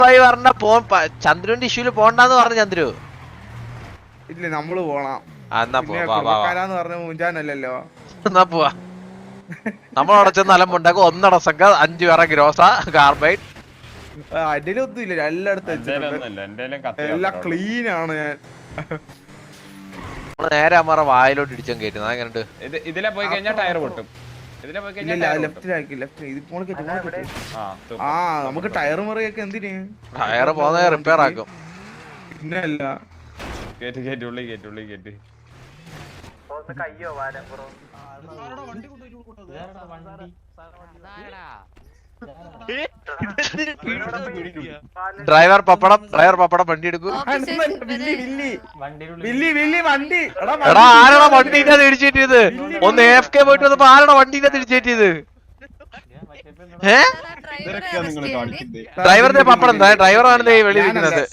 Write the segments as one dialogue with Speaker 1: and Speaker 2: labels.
Speaker 1: പറഞ്ഞ ചന്ദ്രുവിന്റെ ഇഷ്യൂല് പോണ്ടെന്ന് പറഞ്ഞു ചന്ദ്രു.
Speaker 2: ഇല്ല നമ്മള് പോണം.
Speaker 1: എന്നാ
Speaker 2: പറഞ്ഞ മുഞ്ചാനല്ലോ.
Speaker 1: എന്നാ പോവാ. നമ്മളവിടെ ചെന്ന് അലമ്പുണ്ടാക്കും. 1 സംഘ 5 പേരെ ഗ്രോസ കാർബൈഡ്.
Speaker 2: അതിലൊന്നും ഇല്ല, എല്ലായിടത്തും എല്ലാം ക്ലീൻ ആണ്. ഞാൻ
Speaker 1: നേരെ അമ്മ വായിലോട്ട് ഇടിച്ചാൽ കയറ്റുന്നത്. അങ്ങനെയുണ്ട്.
Speaker 3: ഇതിലെ പോയി കഴിഞ്ഞാൽ ടയർ പൊട്ടും.
Speaker 2: നമുക്ക് ടയർ മറിയൊക്കെ എന്തിന്?
Speaker 1: ടയർ പോകുന്ന റിപ്പയർ ആക്കും.
Speaker 2: പിന്നല്ല
Speaker 3: ഉള്ളി കേട്ട്
Speaker 1: ഡ്രൈവർ പപ്പടം വണ്ടി എടുക്കും. എടാ ആരാണോ വണ്ടിന്റെ ഇടിച്ചേറ്റിയത്? ഒന്ന് AFK പോയിട്ട് വന്നപ്പോ ആരാണോ വണ്ടിന്റെ ഇടിച്ചേറ്റിയത്? ഡ്രൈവറിന്റെ പപ്പടം എന്താ? ഡ്രൈവറാണ് വെളിയിരിക്കുന്നത്.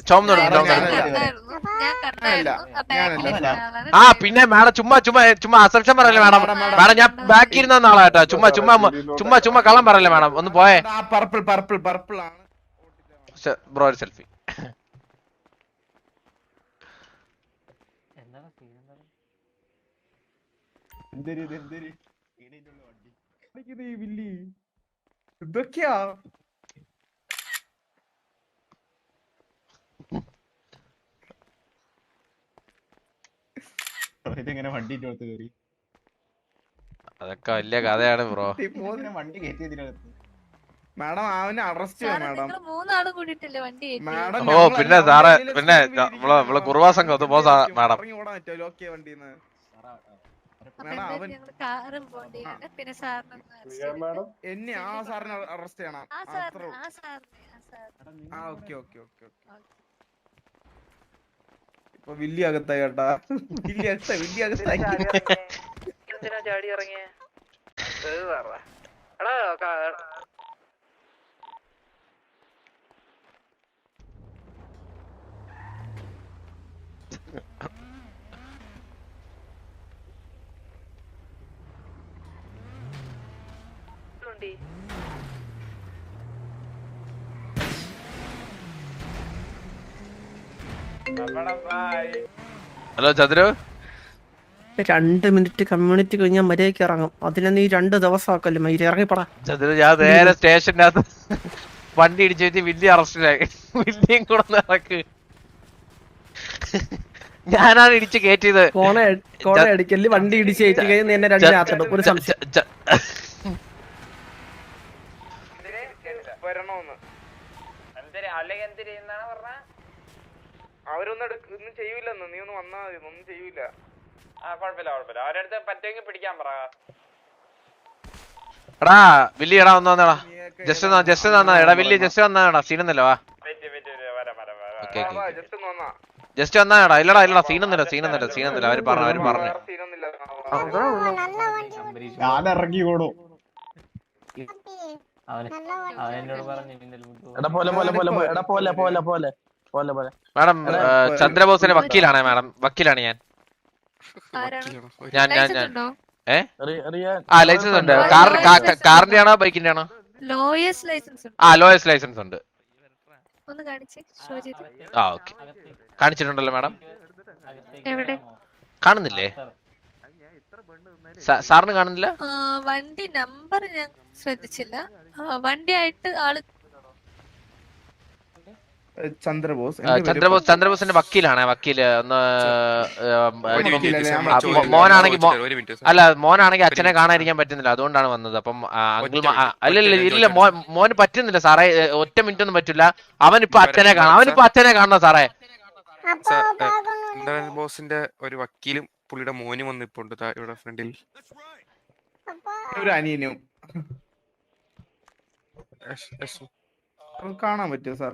Speaker 1: ആ പിന്നെ മാഡം ചുമ്മാ അസംഷൻ പറയല്ലേ മാഡം. മാഡം ഞാൻ ബാക്കി ഇരുന്ന നാളാട്ടോ. ചുമ്മാ കള്ളം പറയല്ലേ മാഡം. ഒന്ന് പോയേ.
Speaker 2: പർപ്പിൾ ആണ്
Speaker 1: ബ്രോ ഒരു സെൽഫി.
Speaker 2: ഇതൊക്കെയാ
Speaker 4: ഇതെങ്ങനെ വണ്ടി കയറി?
Speaker 1: അതൊക്കെ വലിയ കഥയാണ് ബ്രോ.
Speaker 4: വണ്ടി കയറ്റിയതിനകത്ത്
Speaker 2: മാഡം അവനെ അറസ്റ്റ് ചെയ്യാം മാഡം.
Speaker 1: ഓ പിന്നെ സാറേ പിന്നെ നമ്മള് കുറുവാ സംഘം ഒന്ന് പോ മാഡം.
Speaker 2: എന്നെ ആ സാറിനെ അറസ്റ്റ് ചെയ്യണം. ഇപ്പൊ വില്ലി അകത്തായി കേട്ടാ. വില്ലി അകത്തായി.
Speaker 5: ചാടി ഇറങ്ങിയ
Speaker 1: ഹലോ ചന്ദ്രു.
Speaker 6: 2 മിനിറ്റ് കമ്മ്യൂണിറ്റി കഴിഞ്ഞാൽ മര്യാദക്ക് ഇറങ്ങും. അതിനെ നീ 2 ദിവസം ആക്കല്ലേ മൈരി. ഇറങ്ങിപ്പടാ
Speaker 1: ചന്ദ്രു. ഞാൻ നേരെ സ്റ്റേഷന്റെ അകത്ത് വണ്ടി ഇടിച്ചു വെച്ച് വലിയ അറസ്റ്റിലായി. വലിയും കൂടെ ഇറക്ക്. ഞാനാണ് ഇടിച്ച് കയറ്റിയത്.
Speaker 6: കോണ അടിക്കല് വണ്ടി ഇടിച്ച് കയറ്റി കഴിഞ്ഞാൽ എന്നെ 2 ഒരു സംശയം.
Speaker 2: അവരൊന്നും ചെയ്യൂലെന്ന്. നീ ഒന്ന് വന്നാ മതി. ഒന്നും ചെയ്യൂല.
Speaker 3: കുഴപ്പമില്ല. അവരടുത്ത് പറ്റുമെങ്കിൽ പിടിക്കാൻ പറ.
Speaker 1: എടാ വില്ലി എടാ ഒന്ന് വന്നടാ. ജസ്റ്റ് എടാ വില്ലി ജസ്റ്റ് വന്നാടാ. സീനൊന്നല്ലോ വാ. ജസ്റ്റ് വന്നാടാ. ഇല്ലടാ സീനൊന്നില്ല. അവര് പറഞ്ഞു.
Speaker 4: ഞാൻ ഇറങ്ങി ഓടോ.
Speaker 1: മാഡം ചന്ദ്രബോസിന്റെ വക്കീലാണ് ഞാൻ. ലൈസൻസ് ഉണ്ട്. കാറിന്റെ ആണോ ബൈക്കിന്റെ ആണോ? ലോയസ്റ്റ് ലൈസൻസ് ഉണ്ട്. ഓക്കെ കാണിച്ചിട്ടുണ്ടല്ലോ മാഡം. കാണുന്നില്ലേ? സാറിന് കാണുന്നില്ല?
Speaker 7: വണ്ടി നമ്പർ ഞാൻ ശ്രദ്ധിച്ചില്ല. വണ്ടിയായിട്ട് ആള്
Speaker 1: ചന്ദ്രബോസിന്റെ വക്കീലാണ്. വക്കീല് ഒന്ന് മോനാണെങ്കിൽ അച്ഛനെ കാണാതിരിക്കാൻ പറ്റുന്നില്ല. അതുകൊണ്ടാണ് വന്നത്. അപ്പം ഇല്ല മോന് പറ്റുന്നില്ല സാറേ. ഒറ്റ മിനിറ്റ് ഒന്നും പറ്റില്ല. അവനിപ്പോ അച്ഛനെ കാണണം സാറേ.
Speaker 8: ബോസിന്റെ ഒരു വക്കീലും പുള്ളിയുടെ മോനും വന്നിപ്പുണ്ട് ഇവിടെ ഫ്രണ്ടിൽ.
Speaker 2: ഒരു അനിയനും കാണാൻ പറ്റുമോ സാർ?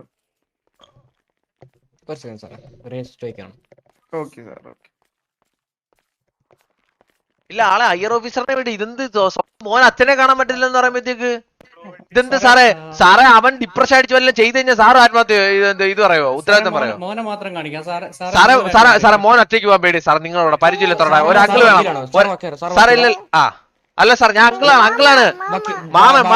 Speaker 1: ഇല്ല ആളെ ഹയർ ഓഫീസറിനെ വേണ്ടി. ഇതെന്ത് മോൻ അച്ഛനെ കാണാൻ പറ്റില്ലെന്ന് പറയുമ്പോഴത്തേക്ക് ഇതെന്ത് സാറേ അവൻ ഡിപ്രഷൻ അടിച്ചു വല്ല ചെയ്ത് കഴിഞ്ഞാൽ സാറ് ആത്മഹത്യ ഇത് പറയോ? ഉത്തരവാദിത്തം പറയോ? സാറേ മോൻ ഒറ്റയ്ക്ക് പോകാൻ പേടി സാർ. നിങ്ങളോട് പരിചയമില്ലത്തോടെ ഒരു അങ്കിള് വേണം സാറേ. ഇല്ല അല്ല സാർ ഞാൻ അങ്കിളാണ് മാമൻ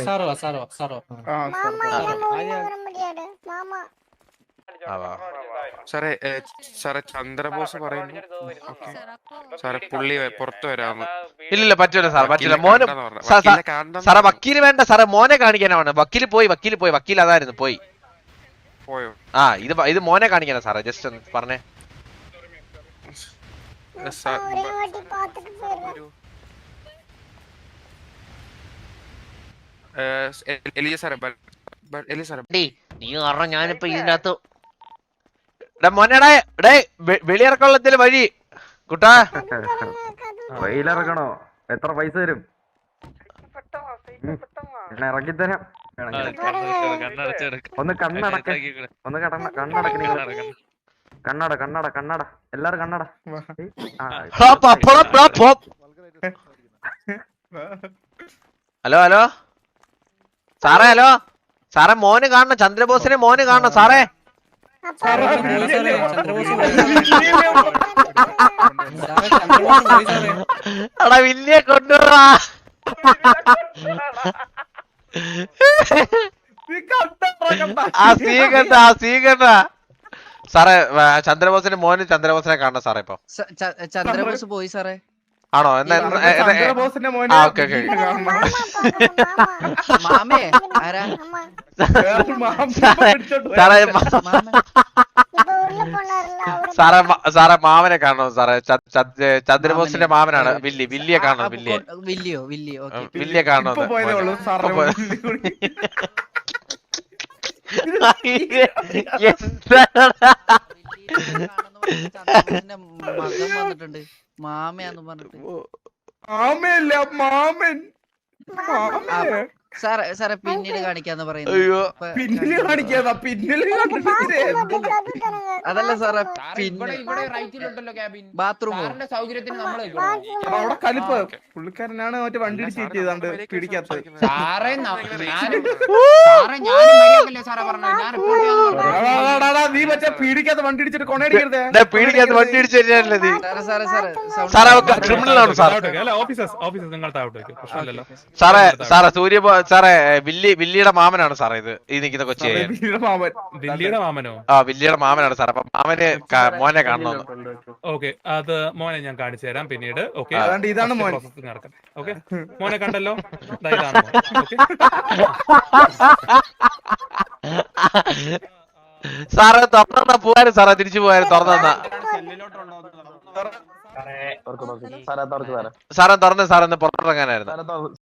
Speaker 8: സാറേ സാറേ ചന്ദ്രബോസ് പറയുന്നു ഓക്കെ സാറേ പുള്ളി പുറത്തു വരാമോ
Speaker 1: ഇല്ലില്ല പറ്റൂല സാർ പറ്റില്ല മോന് സാറേ വക്കീല് വേണ്ട സാറേ മോനെ കാണിക്കാനാണ് വക്കീല് പോയി വക്കീൽ അതായിരുന്നു പോയി
Speaker 8: പോയോ
Speaker 1: ആ ഇത് മോനെ കാണിക്കാനാ സാറേ ജസ്റ്റ് ഒന്ന് പറഞ്ഞേ
Speaker 8: എലിയ സാറേ എലിയ സാറേ
Speaker 1: നീ പറഞ്ഞ ഞാനിപ്പോ ഇതിനകത്ത് മോനെടേ വെളിയിറക്കള്ളത്തില് വഴി കുട്ടാ
Speaker 9: വെയിലിറക്കണോ എത്ര പൈസ തരും ഇറക്കിത്തരാം ഒന്ന് കണ്ണടക്ക ഒന്ന് കണ്ണടക്ക കണ്ണട എല്ലാരും കണ്ണട
Speaker 1: ഹലോ സാറേ മോന് കാണണം ചന്ദ്രബോസിനെ മോന് കാണണം സാറേ എടാ വില്ലിയെ കൊണ്ടുവരാ ആ സീകണ്ട സാറേ ചന്ദ്രബോസിന്റെ മോന് ചന്ദ്രബോസിനെ കാണണം സാറേ ഇപ്പൊ
Speaker 5: ചന്ദ്രബോസ് പോയി സാറേ
Speaker 1: ആണോ എന്നാ ഓക്കെ
Speaker 5: മാമേ ആരാ
Speaker 1: സാറേ മാമനെ കാണണം സാറേ ചന്ദ്രബോസിന്റെ മാമനാണ് വില്ലിയെ കാണണം വില്ലിയെ കാണണം
Speaker 5: മകൻ വന്നിട്ടുണ്ട് മാമയാന്ന് പറഞ്ഞിട്ട് സാറേ പിന്നീട് കാണിക്കാന്ന് പറയുന്നത് അതല്ല സാറേ ബാത്റൂമോ
Speaker 2: പുള്ളിക്കാരനാണ് മറ്റേ വണ്ടി ഇടിച്ചിട്ട് പിടിക്കാത്തത് നീ മറ്റേ പീഡിക്കാത്ത വണ്ടി ഇടിച്ചിട്ട് കൊണയടിക്കരുത്
Speaker 1: ക്രിമിനലാണ് സാറേ സൂര്യ സാറേ വില്ലിയുടെ മാമനാണ് സാറേ ഇത് ഈ നിൽക്കുന്ന കൊച്ചി
Speaker 10: വില്ലിയുടെ മാമനോ
Speaker 1: ആ വില്ലിയുടെ മാമനാണ് സാർ അപ്പൊ മാമന് മോനെ കാണണം
Speaker 10: ഓക്കെ അത് മോനെ ഞാൻ കാണിച്ചു തരാം പിന്നീട് ഓക്കെ
Speaker 2: ഇതാണ്
Speaker 10: നടക്കാം ഓക്കെ മോനെ കണ്ടല്ലോ ഇതാണ്
Speaker 1: സാറേ തുറന്ന പോവാനും സാറേ തിരിച്ചു പോയാലും തുറന്ന സാറേ തുറന്ന് സാറേ പുറത്തിറങ്ങാനായിരുന്നു